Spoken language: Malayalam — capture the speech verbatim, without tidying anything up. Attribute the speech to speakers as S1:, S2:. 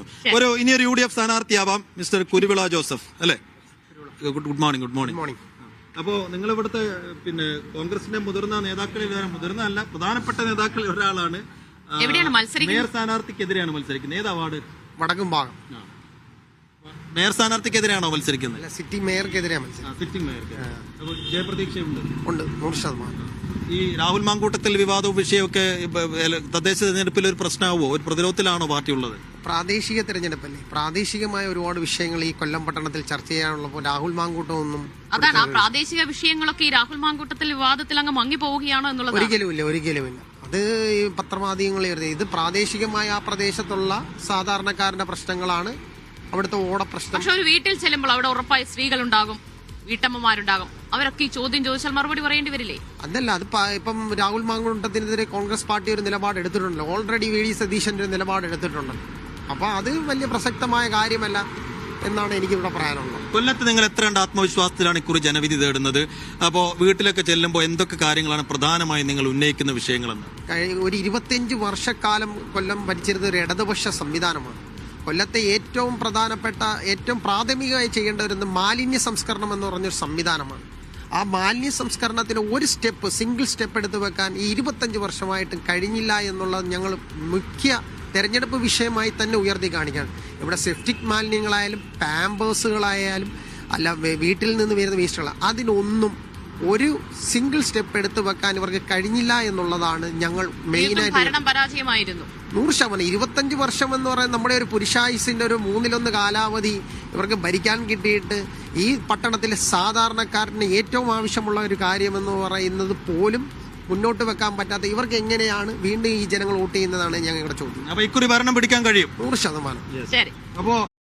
S1: ഒരു ഇനി ഒരു യു ഡി എഫ് സ്ഥാനാർത്ഥിയാവാം മിസ്റ്റർ കുരുവിള ജോസഫ് അല്ലേ? Good morning. Good morning.
S2: Morning.
S1: അപ്പോ നിങ്ങൾ ഇവിടുത്തെ പിന്നെ കോൺഗ്രസിന്റെ മുതിർന്ന നേതാക്കളിൽ മുതിർന്ന അല്ല പ്രധാനപ്പെട്ട നേതാക്കളിൽ ഒരാളാണ്.
S3: എവിടെയാണ് മത്സരിക്കുന്നത്?
S1: മേയർ സ്ഥാനാർത്ഥിക്കെതിരെയാണ് മത്സരിക്കുന്നത്. ഏത് അവാർഡ്?
S2: വടക്കും ഭാഗം.
S1: മേയർ സ്ഥാനാർത്ഥിക്കെതിരെയാണോ മത്സരിക്കുന്നത്?
S2: സിറ്റി മേയർക്കെതിരെയാണ് മത്സരിക്കുന്നത്.
S1: സിറ്റിംഗ് മേയർക്ക്. അപ്പോൾ ജയപ്രതീക്ഷയുണ്ട്.
S2: ഉണ്ട്, നൂറ് ശതമാനം.
S1: ഈ രാഹുൽ മാങ്കൂട്ടത്തിൽ വിവാദവും വിഷയമൊക്കെ തദ്ദേശ തെരഞ്ഞെടുപ്പിൽ ഒരു പ്രശ്നമാവോ? ഒരു പ്രതിരോധത്തിലാണോ പാർട്ടി ഉള്ളത്?
S2: പ്രാദേശിക തെരഞ്ഞെടുപ്പല്ലേ, പ്രാദേശികമായ ഒരുപാട് വിഷയങ്ങൾ ഈ കൊല്ലം പട്ടണത്തിൽ ചർച്ച ചെയ്യാനുള്ളപ്പോൾ രാഹുൽ മാങ്കൂട്ടമൊന്നും
S3: അതാണ് ആ പ്രാദേശിക വിഷയങ്ങളൊക്കെ ഈ രാഹുൽ മാങ്കൂട്ടത്തിൽ വിവാദത്തിൽ അങ്ങ് മങ്ങി പോവുകയാണോ എന്നുള്ളത്
S2: ഒരിക്കലുമില്ല, ഒരിക്കലുമില്ല. അത് ഈ പത്രമാധ്യമങ്ങളിൽ വരുന്നത് ഇത് പ്രാദേശികമായ ആ പ്രദേശത്തുള്ള സാധാരണക്കാരന്റെ പ്രശ്നങ്ങളാണ്, അവിടുത്തെ ഓട പ്രശ്നം.
S3: പക്ഷെ ഒരു വീട്ടിൽ ചെല്ലുമ്പോൾ അവിടെ ഉറപ്പായി സ്ത്രീകളുണ്ടാകും, വീട്ടമ്മമാരുണ്ടാകും. അവരൊക്കെ ഈ ചോദ്യം ചോദിച്ചാൽ മറുപടി പറയേണ്ടി വരില്ലേ?
S2: അതല്ല, അത് ഇപ്പം രാഹുൽ മാങ്കൂട്ടത്തിനെതിരെ കോൺഗ്രസ് പാർട്ടി ഒരു നിലപാട് എടുത്തിട്ടുണ്ടല്ലോ. ഓൾറെഡി വി ഡി സതീശന്റെ ഒരു നിലപാട് എടുത്തിട്ടുണ്ട്. അപ്പൊ അത് വലിയ പ്രസക്തമായ കാര്യമല്ല എന്നാണ് എനിക്കിവിടെ പറയാനുള്ളത്.
S1: കൊല്ലത്ത് നിങ്ങൾ എത്ര കണ്ട് ആത്മവിശ്വാസത്തിലാണ് ഇക്കുറി ജനവിധി തേടുന്നത്? അപ്പോൾ വീട്ടിലൊക്കെ ചെല്ലുമ്പോൾ എന്തൊക്കെ കാര്യങ്ങളാണ് പ്രധാനമായും നിങ്ങൾ ഉന്നയിക്കുന്ന വിഷയങ്ങളെന്ന്?
S2: ഒരു ഇരുപത്തിയഞ്ച് വർഷക്കാലം കൊല്ലം ഭരിച്ചിരുന്ന ഒരു ഇടതുപക്ഷ സംവിധാനമാണ്. കൊല്ലത്തെ ഏറ്റവും പ്രധാനപ്പെട്ട ഏറ്റവും പ്രാഥമികമായി ചെയ്യേണ്ട ഒരു മാലിന്യ സംസ്കരണം എന്ന് പറഞ്ഞൊരു സംവിധാനമാണ്. ആ മാലിന്യ സംസ്കരണത്തിന് ഒരു സ്റ്റെപ്പ് സിംഗിൾ സ്റ്റെപ്പ് എടുത്തു വെക്കാൻ ഈ ഇരുപത്തഞ്ച് വർഷമായിട്ടും കഴിഞ്ഞില്ല എന്നുള്ളത് ഞങ്ങൾ മുഖ്യ തെരഞ്ഞെടുപ്പ് വിഷയമായി തന്നെ ഉയർത്തി കാണിക്കുകയാണ്. ഇവിടെ സെപ്റ്റിക് മാലിന്യങ്ങളായാലും പാമ്പേഴ്സുകളായാലും അല്ല വീട്ടിൽ നിന്ന് വരുന്ന വേസ്റ്റുകൾ, അതിനൊന്നും ഒരു സിംഗിൾ സ്റ്റെപ്പ് എടുത്തു വെക്കാൻ ഇവർക്ക് കഴിഞ്ഞില്ല എന്നുള്ളതാണ് ഞങ്ങൾ മെയിനായിട്ട്.
S3: പരാജയമായിരുന്നു
S2: നൂറ് ശതമാനം. ഇരുപത്തഞ്ച് വർഷം എന്ന് പറയുന്നത് നമ്മുടെ ഒരു പുരുഷായുസിന്റെ ഒരു മൂന്നിലൊന്ന് കാലാവധി ഇവർക്ക് ഭരിക്കാൻ കിട്ടിയിട്ട് ഈ പട്ടണത്തിലെ സാധാരണക്കാരന് ഏറ്റവും ആവശ്യമുള്ള ഒരു കാര്യമെന്ന് പറയുന്നത് പോലും മുന്നോട്ട് വെക്കാൻ പറ്റാത്ത ഇവർക്ക് എങ്ങനെയാണ് വീണ്ടും ഈ ജനങ്ങൾ വോട്ട് ചെയ്യുന്നതാണ് ഞങ്ങളുടെ ചോദ്യം.
S1: അപ്പൊ ഇക്കുറി ഭരണം പിടിക്കാൻ കഴിയും?
S2: നൂറ് ശതമാനം.
S3: ശരി.
S1: അപ്പോ